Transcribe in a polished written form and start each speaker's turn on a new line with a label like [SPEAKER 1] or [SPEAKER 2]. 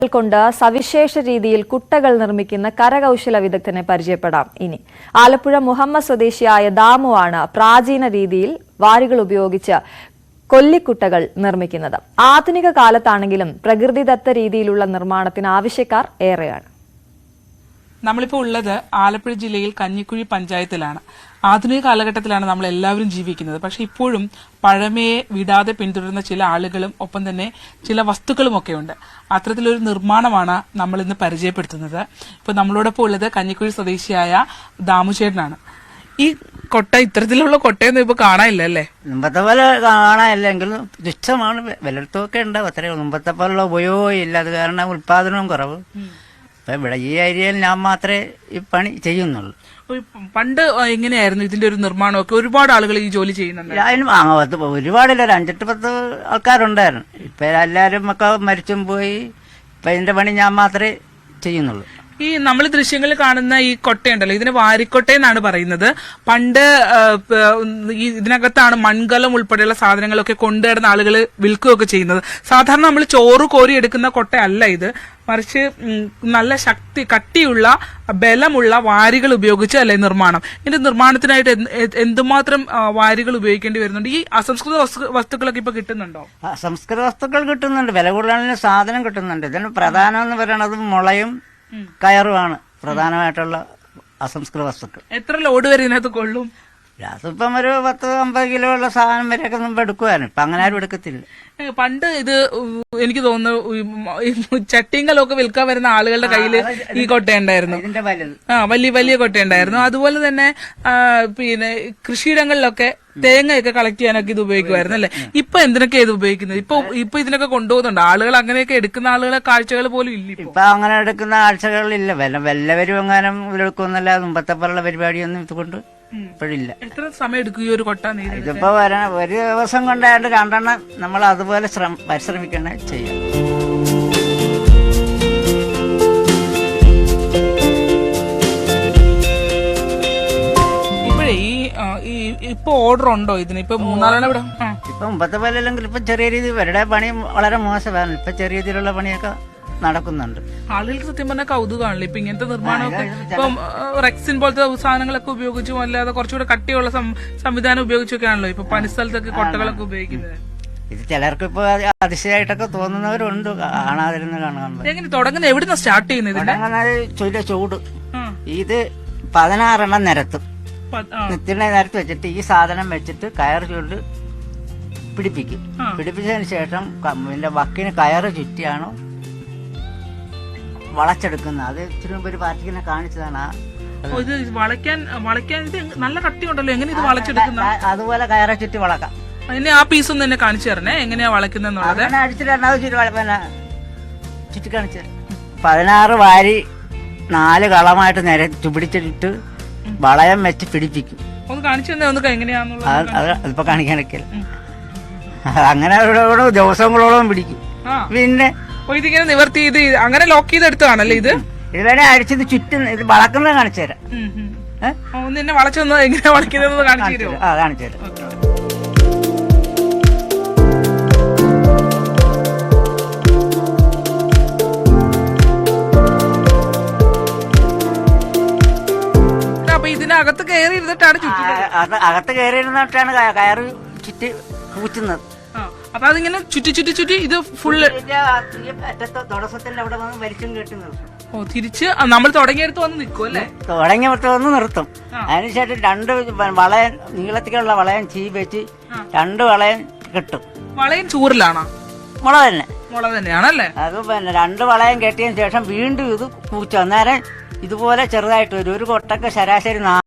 [SPEAKER 1] കൊണ്ട് സവിശേഷ രീതിയിൽ കുട്ടകൾ നിർമ്മിക്കുന്ന കരകൗശല വിദഗ്ധനെ പരിചയപ്പെടാം. ഇനി ആലപ്പുഴ മുഹമ്മദ് സ്വദേശിയായ ദാമു ആണ് പ്രാചീന രീതിയിൽ വാരികൾ ഉപയോഗിച്ച് കൊല്ലിക്കുട്ടകൾ നിർമ്മിക്കുന്നത്. ആധുനിക കാലത്താണെങ്കിലും പ്രകൃതിദത്ത രീതിയിലുള്ള നിർമ്മാണത്തിന് ആവശ്യക്കാർ ഏറെയാണ്.
[SPEAKER 2] നമ്മളിപ്പോൾ ഉള്ളത് ആലപ്പുഴ ജില്ലയിൽ കഞ്ഞിക്കുഴി പഞ്ചായത്തിലാണ്. ആധുനിക കാലഘട്ടത്തിലാണ് നമ്മൾ എല്ലാവരും ജീവിക്കുന്നത്. പക്ഷെ ഇപ്പോഴും പഴമയെ വിടാതെ പിന്തുടരുന്ന ചില ആളുകളും ഒപ്പം തന്നെ ചില വസ്തുക്കളും ഒക്കെ ഉണ്ട്. അത്തരത്തിലൊരു നിർമ്മാണമാണ് നമ്മൾ ഇന്ന് പരിചയപ്പെടുത്തുന്നത്. ഇപ്പോൾ നമ്മളോടൊപ്പം ഉള്ളത് കഞ്ഞിക്കുഴി സ്വദേശിയായ ദാമുചേട്ടനാണ്. ഈ കൊട്ട, ഇത്തരത്തിലുള്ള കൊട്ടയൊന്നും ഇപ്പൊ കാണാനില്ല അല്ലേ?
[SPEAKER 3] മുമ്പത്തെ പോലെ കാണാനില്ലെങ്കിലും തുച്ഛമാണ്, വിലത്തൊക്കെ ഉണ്ടാവും. അത്രയും മുമ്പത്തെ പോലുള്ള ഉപയോഗം ഇല്ല. അത് കാരണം ഉത്പാദനവും കുറവ്. ഇപ്പൊ ഇവിടെ ഈ ഏരിയയിൽ ഞാൻ മാത്രമേ ഈ പണി ചെയ്യുന്നുള്ളൂ.
[SPEAKER 2] പണ്ട് എങ്ങനെയായിരുന്നു ഇതിന്റെ ഒരു നിർമ്മാണമൊക്കെ? ഒരുപാട് ആളുകൾ ഈ ജോലി ചെയ്യുന്നുണ്ട്.
[SPEAKER 3] അതിന് ഒരുപാടില്ല, ഒരു 5-10 ആൾക്കാരുണ്ടായിരുന്നു. ഇപ്പൊ എല്ലാരും ഒക്കെ മരിച്ചും പോയി. ഇപ്പൊ ഇതിന്റെ പണി ഞാൻ മാത്രമേ ചെയ്യുന്നുള്ളൂ.
[SPEAKER 2] ഈ നമ്മൾ ദൃശ്യങ്ങളിൽ കാണുന്ന ഈ കൊട്ടയുണ്ടല്ലോ, ഇതിന് വാരിക്കൊട്ട എന്നാണ് പറയുന്നത്. പണ്ട് ഇതിനകത്താണ് മൺകലം ഉൾപ്പെടെയുള്ള സാധനങ്ങളൊക്കെ കൊണ്ടുവരുന്ന ആളുകൾ വിൽക്കുകയൊക്കെ ചെയ്യുന്നത്. സാധാരണ നമ്മൾ ചോറ് കോരി എടുക്കുന്ന കൊട്ടയല്ല ഇത്, മറിച്ച് നല്ല കട്ടിയുള്ള ബലമുള്ള വാരികൾ ഉപയോഗിച്ച് അല്ലേ നിർമ്മാണം. ഇതിന്റെ നിർമ്മാണത്തിനായിട്ട് എന്തുമാത്രം വാരികൾ ഉപയോഗിക്കേണ്ടി വരുന്നുണ്ട്? ഈ അസംസ്കൃത വസ്തുക്കളൊക്കെ ഇപ്പൊ കിട്ടുന്നുണ്ടോ?
[SPEAKER 3] അസംസ്കൃത വസ്തുക്കൾ കിട്ടുന്നുണ്ട്, വില കൂടുതലുള്ള സാധനം കിട്ടുന്നുണ്ട്. ഇതിന് പ്രധാനം എന്ന് പറയുന്നത് മുളയും കയറുമാണ് പ്രധാനമായിട്ടുള്ള അസംസ്കൃത വസ്തുക്കൾ.
[SPEAKER 2] എത്ര ലോഡ് വരെ ഇതിനകത്ത് കൊള്ളും?
[SPEAKER 3] അതിപ്പം ഒരു 10-50 കിലോ ഉള്ള സാധനം വരെയൊക്കെ മുമ്പ് എടുക്കുവാനും. ഇപ്പൊ അങ്ങനെ ആരും എടുക്കത്തില്ല.
[SPEAKER 2] പണ്ട് ഇത് എനിക്ക് തോന്നുന്നു ചട്ടിങ്കലൊക്കെ വിൽക്കാൻ വരുന്ന ആളുകളുടെ കയ്യിൽ ഈ കൊട്ടയുണ്ടായിരുന്നു. വലിയ വലിയ കൊട്ടയുണ്ടായിരുന്നു. അതുപോലെ തന്നെ പിന്നെ കൃഷിയിടങ്ങളിലൊക്കെ തേങ്ങയൊക്കെ കളക്ട് ചെയ്യാനൊക്കെ ഇത് ഉപയോഗിക്കുമായിരുന്നു അല്ലെ? ഇപ്പൊ എന്തിനൊക്കെയാ ഇത് ഉപയോഗിക്കുന്നത്? ഇപ്പൊ ഇതിനൊക്കെ കൊണ്ടുപോകുന്നുണ്ട് ആളുകൾ. അങ്ങനെയൊക്കെ എടുക്കുന്ന ആളുകളെ കാഴ്ചകൾ പോലും ഇല്ല
[SPEAKER 3] ഇപ്പൊ. അങ്ങനെ എടുക്കുന്ന കാഴ്ചകളില്ല. വല്ലവരും എങ്ങാനും എടുക്കുമെന്നല്ല. മുമ്പത്തെ പോലുള്ള പരിപാടിയൊന്നും ഇതുകൊണ്ട് ഇപ്പോഴില്ല.
[SPEAKER 2] എത്ര സമയം എടുക്കും ഈ ഒരു കൊട്ട?
[SPEAKER 3] ഇതിപ്പോ ഒരു ദിവസം കൊണ്ടായിട്ട് 2 എണ്ണം നമ്മൾ അതുപോലെ പരിശ്രമിക്കണേ ചെയ്യാം.
[SPEAKER 2] ഇപ്പൊ ഓർഡർ ഉണ്ടോ ഇതിന്? ഇപ്പൊ 3-4 ഇവിടെ
[SPEAKER 3] ഇപ്പൊ മുമ്പത്തെ പോലെ അല്ലെങ്കിൽ ഇപ്പൊ ചെറിയ രീതി ഇവരുടെ പണി വളരെ മോശമാണ്. ഇപ്പൊ ചെറിയ രീതിയിലുള്ള പണിയൊക്കെ നടക്കുന്നുണ്ട്.
[SPEAKER 2] ആളുകൾക്ക് സത്യം പറഞ്ഞാൽ കൗതുകമാണല്ലോ ഇപ്പൊ ഇങ്ങനത്തെ നിർമ്മാണമൊക്കെ. ഇപ്പം റെക്സിൻ പോലത്തെ സാധനങ്ങളൊക്കെ ഉപയോഗിച്ചും അല്ലാതെ കുറച്ചുകൂടെ കട്ടിയുള്ള സംവിധാനം ഉപയോഗിച്ചൊക്കെയാണല്ലോ ഇപ്പൊ പണിസ്ഥലത്തൊക്കെ കൊട്ടകളൊക്കെ ഉപയോഗിക്കുന്നത്.
[SPEAKER 3] ഇത് ചിലർക്ക് ഇപ്പൊ അതിശയമായിട്ടൊക്കെ തോന്നുന്നവരുണ്ട് കാണാതിരുന്ന് കാണാൻ.
[SPEAKER 2] എങ്ങനെ തുടങ്ങുന്നത്? എവിടുന്ന സ്റ്റാർട്ട് ചെയ്യുന്നത്?
[SPEAKER 3] ഇതിന്റെ ചൂട് ഇത് 16 എണ്ണം നിരത്തും. നിരത്ത് വെച്ചിട്ട് ഈ സാധനം വെച്ചിട്ട് കയർ ചൂട് പിടിപ്പിക്കും. പിടിപ്പിച്ചതിന് ശേഷം ഇതിന്റെ വക്കിന് കയറ് ചുറ്റിയാണോ വളച്ചെടുക്കുന്നത്. അത് ഇച്ചിരി മുമ്പ് ഒരു പാർട്ടിക്കിനെ കാണിച്ചതാണ്.
[SPEAKER 2] നല്ല കട്ടിയുണ്ടല്ലോ, എങ്ങനെ ഇത് വളച്ചെടുക്കുന്ന?
[SPEAKER 3] അതുപോലെ കയറെ ചുറ്റി വളക്കാം.
[SPEAKER 2] എന്നെ ആ പീസ് ഒന്ന് എന്നെ കാണിച്ചു തരണേ, എങ്ങനെയാ വളയ്ക്കുന്നുള്ളത്?
[SPEAKER 3] ചുറ്റി കാണിച്ചു. 16 വാരി 4 കളമായിട്ട് പിടിച്ചിട്ട് വളയം വെച്ച് പിടിപ്പിക്കും.
[SPEAKER 2] ഒന്ന് കാണിച്ചു തന്നെ, ഒന്ന് എങ്ങനെയാന്നുള്ളത്
[SPEAKER 3] അതിപ്പോ കാണിക്കാനൊക്കെ അങ്ങനെ ദിവസങ്ങളോളം പിടിക്കും. പിന്നെ
[SPEAKER 2] ഇതിങ്ങനെ നിവർത്തി ഇത് അങ്ങനെ ലോക്ക് ചെയ്തെടുത്തതാണല്ലേ ഇത്?
[SPEAKER 3] ഇതിലെ അടിച്ചത് ചുറ്റും ഇത് വളക്കുന്നത് കാണിച്ചു തരാം.
[SPEAKER 2] ഒന്ന് വളച്ചൊന്ന് എങ്ങനെയാ വളയ്ക്കുന്നത് കാണിച്ചു തരുമോ?
[SPEAKER 3] കാണിച്ചു തരാം.
[SPEAKER 2] അപ്പൊ ഇതിനകത്ത് കയറി ഇരുന്നിട്ടാണ്
[SPEAKER 3] അകത്ത് കയറി ഇരുന്നിട്ടാണ് കയറ് ചുറ്റി പൂച്ചുന്നത്.
[SPEAKER 2] അപ്പൊ അതിങ്ങനെ ചുറ്റി ഇത് ഫുള്ള്
[SPEAKER 3] തുടക്കത്തിന്റെ അവിടെ വന്ന് വലിച്ചും കെട്ടി നിർത്തും.
[SPEAKER 2] തിരിച്ച് നമ്മൾ തുടങ്ങിയെടുത്ത് വന്ന് നിൽക്കും അല്ലേ?
[SPEAKER 3] തുടങ്ങിയെടുത്ത് വന്ന് നിർത്തും. അതിനുശേഷം 2 വളയം നീളത്തിലുള്ള വളയം വെച്ച് 2 വളയം കെട്ടും.
[SPEAKER 2] വളയം ചൂറിലാണോ?
[SPEAKER 3] മുള തന്നെ.
[SPEAKER 2] മുള തന്നെയാണല്ലേ?
[SPEAKER 3] അത് പിന്നെ 2 വളയം കെട്ടിയതിന് ശേഷം വീണ്ടും ഇത് പൂച്ച. അന്നേരം ഇതുപോലെ ചെറുതായിട്ട് വരും. ഒരു കൊട്ടക്ക് ശരാശരി